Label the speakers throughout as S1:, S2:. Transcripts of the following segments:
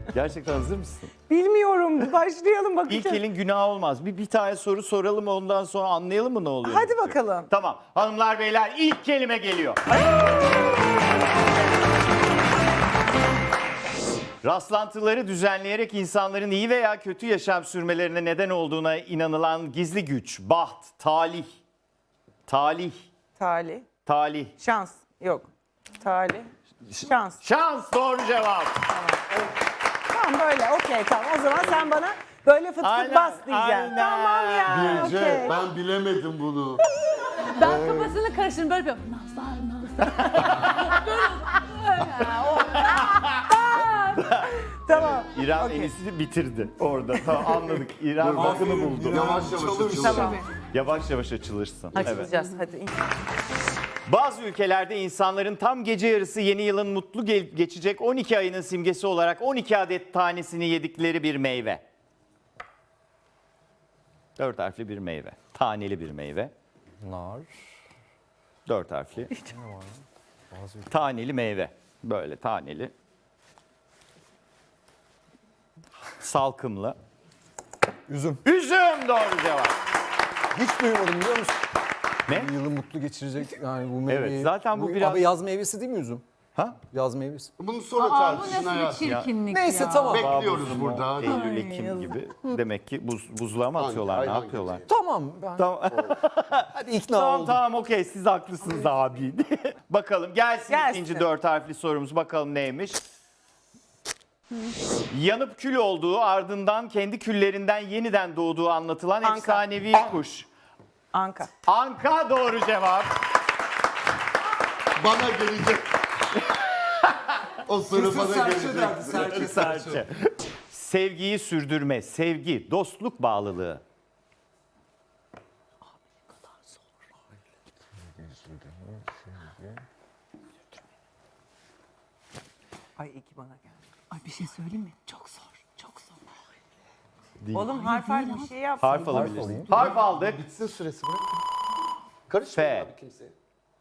S1: Gerçekten hazır mısın?
S2: Bilmiyorum. Başlayalım bakacağız.
S1: İlk elin günah olmaz. Bir tane soru soralım, ondan sonra anlayalım mı ne oluyor?
S2: Hadi bakalım.
S1: Tamam. Hanımlar beyler, ilk kelime geliyor. Rastlantıları düzenleyerek insanların iyi veya kötü yaşam sürmelerine neden olduğuna inanılan gizli güç, baht, talih. Talih,
S2: Talih.
S1: talih.
S2: Şans. Yok. Talih. Şans.
S1: Şans doğru cevap.
S2: Tamam böyle. Okey tamam. O zaman sen bana böyle fıt fıt
S1: Aynen,
S2: bas diyeceksin.
S1: aynen.
S2: Tamam ya.
S3: Bilge,
S2: Okey.
S3: ben bilemedim bunu.
S4: Ben kafasını karıştırdım böyle yapıyorum. Nazar.
S2: Tamam.
S1: İrem
S2: Okey.
S1: Enis'i bitirdi orada. Tamam anladık. İrem bakını buldu.
S3: Yavaş yavaş açılır.
S2: Tamam.
S1: Yavaş yavaş açılırsın. Evet.
S2: Açılacağız. Hadi.
S1: Bazı ülkelerde insanların tam gece yarısı yeni yılın mutlu geçecek 12 ayının simgesi olarak 12 adet tanesini yedikleri bir meyve. 4 harfli bir meyve. Taneli bir meyve.
S5: Nar.
S1: 4 harfli. Taneli meyve. Böyle taneli. Salkımlı.
S5: Üzüm.
S1: Üzüm doğru cevap.
S5: Hiç duymadım biliyor musun?
S1: Ne?
S5: Yılı mutlu geçirecek yani bu meyveyi.
S1: Evet, zaten bu biraz-
S5: Abi yaz meyvesi değil mi üzüm?
S1: Ha?
S5: Yaz meyvesi.
S3: Bunu sonra
S4: Aa, bu
S3: tartışın
S4: nasıl bir
S3: hayatım.
S4: çirkinlik
S5: Neyse
S4: ya.
S5: tamam.
S3: Bekliyoruz burada.
S1: Eylül, Ekim gibi. Demek ki buzluğa mı atıyorlar,
S3: Hangi
S1: ne
S3: ay,
S1: yapıyorlar?
S3: hangi
S5: Tamam. Ben...
S1: Tamam.
S5: Hadi ikna
S1: Tamam
S5: oldum.
S1: tamam okey siz haklısınız abi. Bakalım gelsin,
S2: Gelsin.
S1: ikinci 4 harfli sorumuz bakalım neymiş. Yanıp kül olduğu ardından kendi küllerinden yeniden doğduğu anlatılan
S2: Anka.
S1: efsanevi kuş.
S2: Anka.
S1: Anka doğru cevap.
S3: Bana gelecek. O soru bana gelecek.
S1: Serçe. Sevgiyi sürdürme, sevgi, dostluk bağlılığı.
S2: Ay iki bana geldi.
S4: Ay bir şey söyleyeyim mi? Çok zor. Çok zor.
S2: Oğlum harf bir şey yap.
S1: Harf alabilirsin. Harf aldık.
S3: Bitsin süresi bırak.
S1: F.
S3: Karışmayın abi kimseye.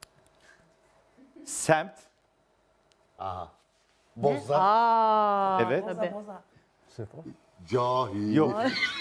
S1: Semt.
S3: Aha. Boza.
S2: Aa.
S1: Evet.
S2: Boza boza.
S3: Cahil.
S1: Yok.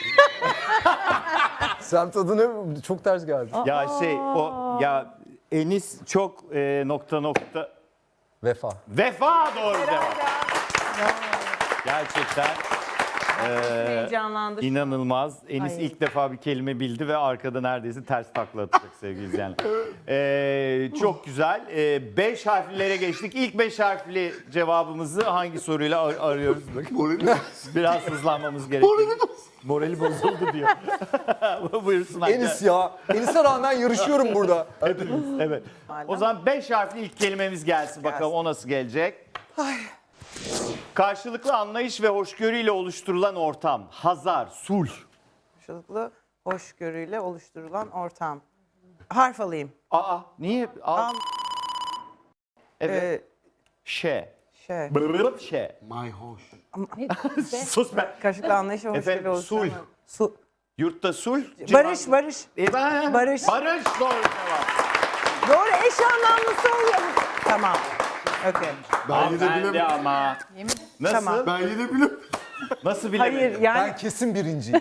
S5: Semt adı ne? Çok ters geldi.
S1: Ya o ya Enis çok nokta.
S5: Vefa.
S1: Vefa doğru cevap. Gerçekten
S2: Heyecanlandı.
S1: inanılmaz. Enis
S2: Ay.
S1: ilk defa bir kelime bildi ve arkada neredeyse ters takla atacak sevgili izleyenler. Çok güzel. 5 harflilere geçtik. İlk 5 harfli cevabımızı hangi soruyla arıyoruz? Biraz hızlanmamız gerekiyor. Morali bozuldu diyor. Buyursun Hakkı.
S5: Enis ya. Enis'e rağmen yarışıyorum burada.
S1: Hepimiz, evet. O zaman 5 harfli ilk kelimemiz gelsin. Bakalım o nasıl gelecek? Karşılıklı anlayış ve hoşgörüyle oluşturulan ortam. Hazar, sulh.
S2: Karşılıklı hoşgörüyle oluşturulan ortam. Harf alayım.
S1: Aa, niye?
S2: Al.
S1: Evet.
S2: Ee,
S1: Şe.
S2: şey.
S1: Brrrr şe.
S3: My hoş.
S1: Sus be.
S2: Karşılıklı anlayış ve hoşgörüyle
S1: Efendim,
S2: oluşturulan.
S1: sulh. Yurtta sulh.
S2: Barış, barış.
S1: Barış.
S2: Barış.
S1: Barış doğru cevap.
S2: Doğru eş anlamlısı oluyor. Tamam. Okey.
S3: Ben yine
S1: Bende
S3: bilemedim.
S1: ama. Nasıl?
S2: Tamam.
S3: Ben yine bilemedim.
S1: Nasıl bilemedin?
S2: Hayır yani
S5: Ben kesin birinciyim.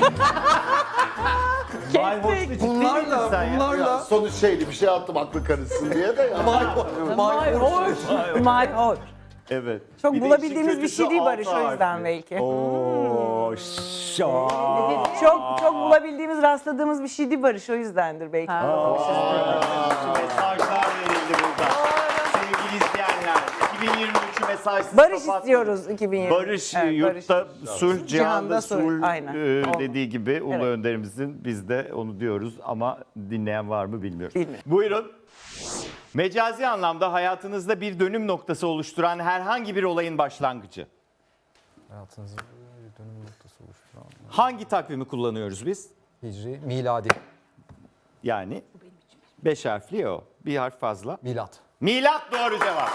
S1: Vay hoş bir ciddi miydin sen ya?
S3: Ya sonuç şeydi bir şey attım aklı karışsın diye de ya.
S2: my hoş.
S1: Evet.
S2: Çok
S1: Bir de
S2: bulabildiğimiz
S1: işin
S2: bir şey değil
S1: kötüsü
S2: Barış
S1: altı
S2: o yüzden
S1: harfli.
S2: belki.
S1: Oo,
S2: Çok bulabildiğimiz, rastladığımız bir şey değil Barış o yüzdendir belki.
S1: Mesajlar verildi burada. Sevgili izleyenler, 2023'ü mesajsız
S2: Barış
S1: kapatmadık.
S2: istiyoruz 2020.
S1: Barış,
S2: Evet,
S1: yurtta sulh, cihanda
S2: sulh.
S1: sulh
S2: Aynen.
S1: dediği gibi Ulu
S2: Evet.
S1: Önderimizin biz de onu diyoruz ama dinleyen var mı bilmiyorum.
S2: Bilmiyorum.
S1: Buyurun. Mecazi anlamda hayatınızda bir dönüm noktası oluşturan herhangi bir olayın başlangıcı.
S5: Hayatınızda bir dönüm noktası oluşturan.
S1: Hangi takvimi kullanıyoruz biz?
S5: Hicri, miladi,
S1: Yani 5 harfli o. Bir harf fazla.
S5: milat.
S1: Milat doğru cevap.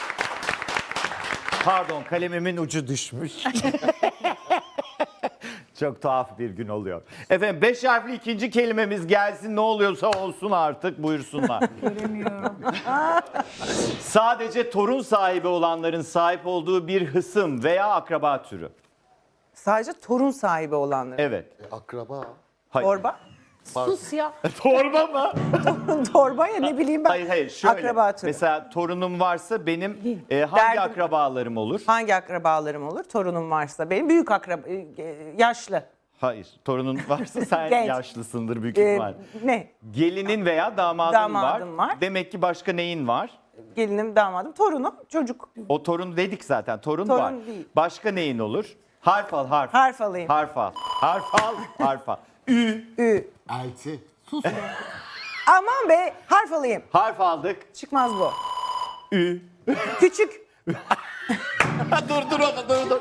S1: Pardon kalemimin ucu düşmüş. Çok tuhaf bir gün oluyor. Efendim 5 harfli ikinci kelimemiz gelsin, ne oluyorsa olsun artık, buyursunlar.
S2: Göremiyorum.
S1: Sadece torun sahibi olanların sahip olduğu bir hısım veya akraba türü.
S2: Sadece torun sahibi olanlar.
S1: Evet.
S3: Akraba.
S1: Hayır.
S2: Torba.
S4: Sus ya.
S1: Torba mı?
S2: Torba ya ne bileyim ben.
S1: Hayır şöyle.
S2: Akraba türü.
S1: Mesela torunum varsa benim hangi
S2: Derdim.
S1: akrabalarım olur?
S2: Hangi akrabalarım olur? Torunum varsa. Benim büyük akraba, yaşlı.
S1: Hayır. Torunun varsa sen
S2: Genç.
S1: yaşlısındır büyük
S2: Ee,
S1: ihtimal.
S2: ne?
S1: Gelinin veya damadın,
S2: Damadım var.
S1: Demek ki başka neyin var?
S2: Gelinim, damadım, torunum, çocuk.
S1: O torun dedik zaten. Torun
S2: Torun
S1: var.
S2: değil.
S1: Başka neyin olur? Harf al, harf.
S2: Harf alayım.
S1: Harf al. Harf al, harf al. Ü.
S2: Ü.
S3: Elti.
S2: Aman be, harf alayım.
S1: Harf aldık.
S2: Çıkmaz bu.
S1: Ü.
S2: Küçük.
S1: dur onu.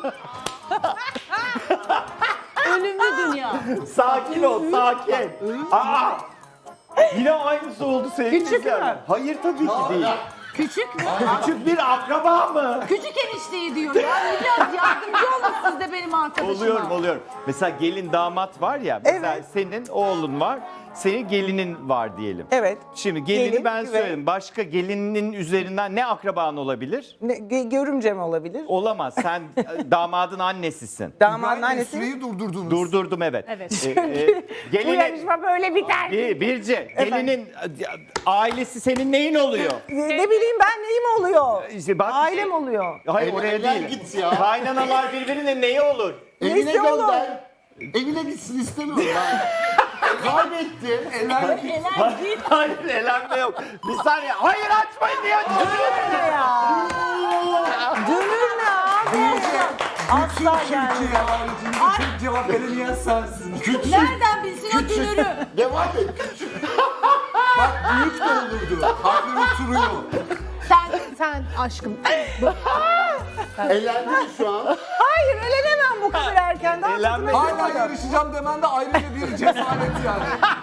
S4: Ölümlü dünya.
S1: Sakin ol, sakin. Aa! Yine aynısı oldu sevgili
S2: Küçük
S1: izleyenler.
S2: mü?
S1: Hayır tabii ki değil.
S4: Küçük mü?
S1: Küçük bir akraba mı?
S4: Küçük enişteyi diyor ya. Biraz yardımcı olun siz de benim arkadaşıma.
S1: Oluyorum. Mesela gelin damat var ya. Mesela
S2: Evet.
S1: senin oğlun var. Senin gelinin var diyelim.
S2: Evet.
S1: Şimdi gelini
S2: Gelin
S1: ben
S2: ve-
S1: söyledim. Başka gelinin üzerinden ne akraban olabilir?
S2: Görümcem olabilir.
S1: Olamaz. Sen damadın annesisin.
S2: Damadın annesi.
S3: Süreyi durdurdunuz.
S1: Durdurdum evet.
S4: Evet.
S2: Bu
S1: Gelinin
S2: yarışma böyle biter.
S1: Birce, gelinin ailesi senin neyin oluyor?
S2: Ne bileyim ben neyim oluyor?
S1: İşte bak-
S2: Ailem oluyor.
S1: Hayır
S3: Ele-
S1: oraya
S3: eller
S1: değil.
S3: git ya.
S1: Kaynanalar birbirine neyi olur?
S3: Evine
S2: Neyse oğlum.
S3: gönder. Evine gitsin istemiyorum ben. Kaybetti.
S4: Helal değil.
S1: Hayır elenme yok. Bir saniye. Hayır açmayın diye açıyorum.
S2: Ne ya? Dönür ne abi? Asla gelmez.
S5: Türkiye haricinde tek cevap veremeyen sensin.
S4: Nereden bilsin o dünürü?
S3: Devam et.
S5: Bak büyük de olurdu. Harfleri oturuyor.
S4: Sen aşkım.
S3: Eğlendin mi şu an?
S2: Hayır elenemem bu kadar erken. Daha
S1: Elenme
S2: tadını
S5: Hala
S2: çıkmadım.
S5: yarışacağım demen de ayrıca bir cesaret yani.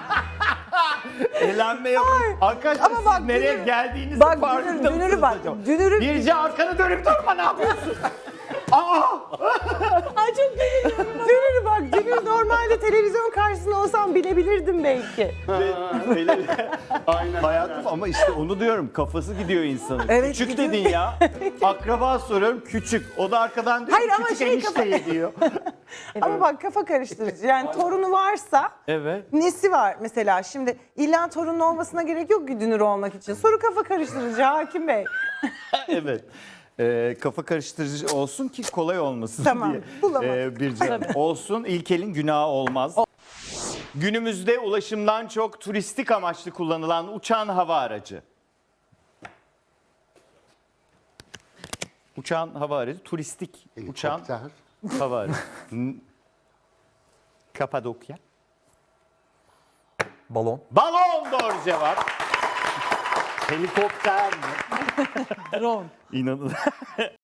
S1: Elenme yok. Arkadaşlar
S2: Ama bak,
S1: siz nereye
S2: dünür-
S1: geldiğinizin
S2: Bak
S1: farkında
S2: dünürü
S1: mısınız
S2: bak.
S1: acaba?
S2: Dünürü
S1: Birce arkanı dönüp durma ne yapıyorsun? Aa!
S2: Ay çok dünürü bak. Dünür normalde televizyon karşısında olsam bilebilirdim belki.
S3: Aynen.
S1: Hayatım ama işte onu diyorum kafası gidiyor insanın.
S2: Evet,
S1: Küçük
S2: gidiyor.
S1: dedin ya. Akraba soruyorum küçük. O da arkadan diyor
S2: Hayır,
S1: ki,
S2: ama
S1: küçük
S2: şey
S1: enişteyi diyor.
S2: Ama bak kafa karıştırıcı. Yani torunu varsa
S1: Evet.
S2: nesi var mesela? Şimdi illa torunun olmasına gerek yok ki dünür olmak için. Soru kafa karıştırıcı Hakim Bey.
S1: Evet. Kafa karıştırıcı olsun ki kolay olmasın
S2: Tamam,
S1: diye.
S2: bulamadım.
S1: Birce olsun ilkelin günahı olmaz. Günümüzde ulaşımdan çok turistik amaçlı kullanılan uçan hava aracı. Uçan hava aracı, turistik uçan
S3: Helikopter.
S1: hava aracı. Kapadokya.
S5: Balon.
S1: Balon doğru cevap. Helikopter mi?
S4: Drone.
S1: İnanın.